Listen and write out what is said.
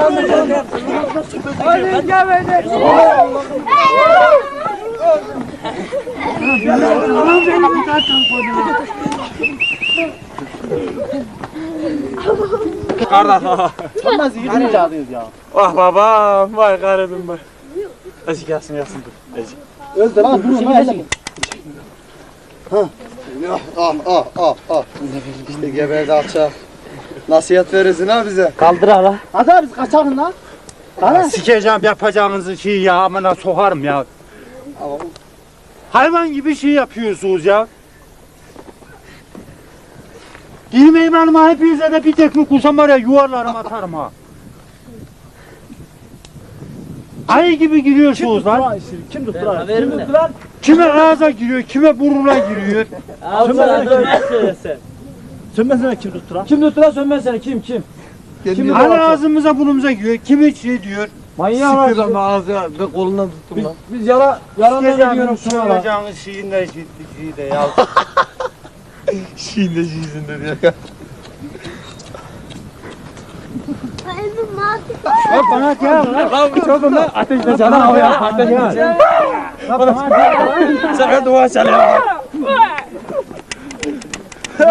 Hadi gel beni. Kardeş. Olmaz iyi çağırıyoruz ya. Vah babam, vay garibim bak. Ezi gelsin dur. Ezi. Öldü lan durun lan hele. İşte geberdi alçak. Nasihat verirsin ha bize. Kaldır hala. Hadi abi biz kaçalım lan. Hadi. Sikeceğim yapacağınızı şey ya, amına sokarım ya. Hayvan gibi şey yapıyorsunuz ya. Girmeyeyim hanıma, hepinize de bir tekme kursam var ya, yuvarlarım atarım ha. Ayı gibi giriyorsunuz lan. Kim tuttu lan? Kime ağza giriyor, kime burnuna giriyor. Sönmesene kim tuttu lan? Kim tuttu lan sönmezsene kim? Hani ağzımıza burnumuza giriyor, kimi şey diyor. Manyak var. Sıkıyor ama ağzı ve kolundan tuttum lan. Biz yalanla gidiyorum şuna lan. Soracağınız şeyin de şeyi de ya. Şeyin de şeysin dedi ya. Bak bana gel lan. Çok lan ateşle sana havaya. Ateşle. Sen dua çalıyor.